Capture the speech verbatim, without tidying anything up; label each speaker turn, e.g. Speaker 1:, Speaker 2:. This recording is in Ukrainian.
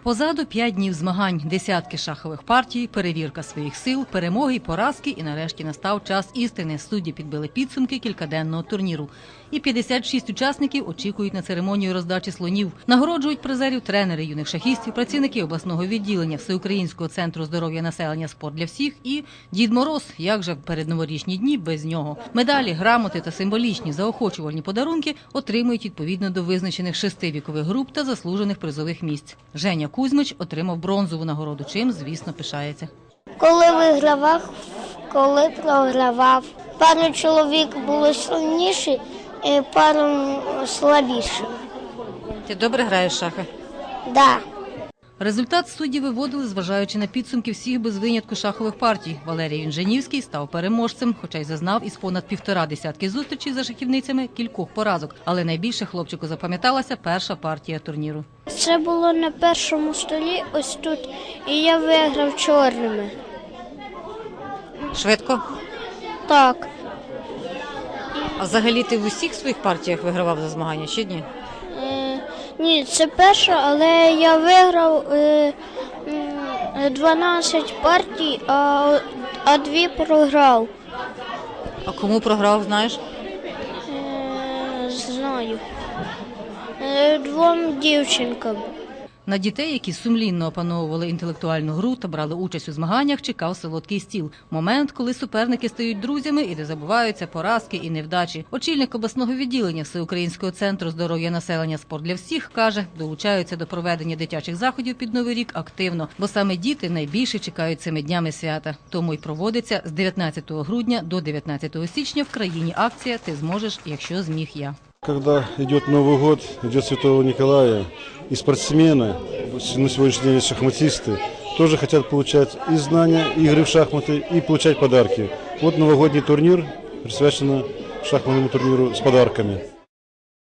Speaker 1: Позаду п'ять днів змагань, десятки шахових партій, перевірка своїх сил, перемоги і поразки, і нарешті настав час істини. Судді підбили підсумки кількаденного турніру. І п'ятдесят шість учасників очікують на церемонію роздачі слонів. Нагороджують призерів тренери юних шахістів, працівники обласного відділення Всеукраїнського центру здоров'я населення «Спорт для всіх» і Дід Мороз, як же в передноворічні дні без нього. Медалі, грамоти та символічні заохочувальні подарунки отримують відповідно до визначених шести вікових груп та заслужених призових місць. Женя Кузьмич отримав бронзову нагороду, чим, звісно, пишається.
Speaker 2: Коли вигравав, коли програвав. Пару чоловік було сильніші, і пару слабіші.
Speaker 1: Ти добре граєш в шахи?
Speaker 2: Да.
Speaker 1: Результат судді виводили, зважаючи на підсумки всіх без винятку шахових партій. Валерій Інженівський став переможцем, хоча й зазнав із понад півтора десятки зустрічей за шахівницями кількох поразок. Але найбільше хлопчику запам'яталася перша партія турніру.
Speaker 2: Це було на першому столі, ось тут, і я виграв чорними.
Speaker 1: Швидко?
Speaker 2: Так.
Speaker 1: А взагалі ти в усіх своїх партіях вигравав за змагання, чи ні?
Speaker 2: Е, ні, це перша, але я виграв е, дванадцять партій, а, а дві програв.
Speaker 1: А кому програв, знаєш?
Speaker 2: Е, знаю. Е, двом дівчинкам.
Speaker 1: На дітей, які сумлінно опановували інтелектуальну гру та брали участь у змаганнях, чекав солодкий стіл. Момент, коли суперники стають друзями і не забуваються поразки і невдачі. Очільник обласного відділення Всеукраїнського центру здоров'я населення «Спорт для всіх» каже, долучаються до проведення дитячих заходів під Новий рік активно, бо саме діти найбільше чекають цими днями свята. Тому й проводиться з дев'ятнадцятого грудня до дев'ятнадцятого січня в країні акція «Ти зможеш, якщо зміг я».
Speaker 3: Когда идет Новый год, идет Святого Николая, и спортсмены, на сегодняшний день шахматисты, тоже хотят получать и знания, и игры в шахматы, и получать подарки. Вот новогодний турнир, присвящен шахматному турниру с подарками.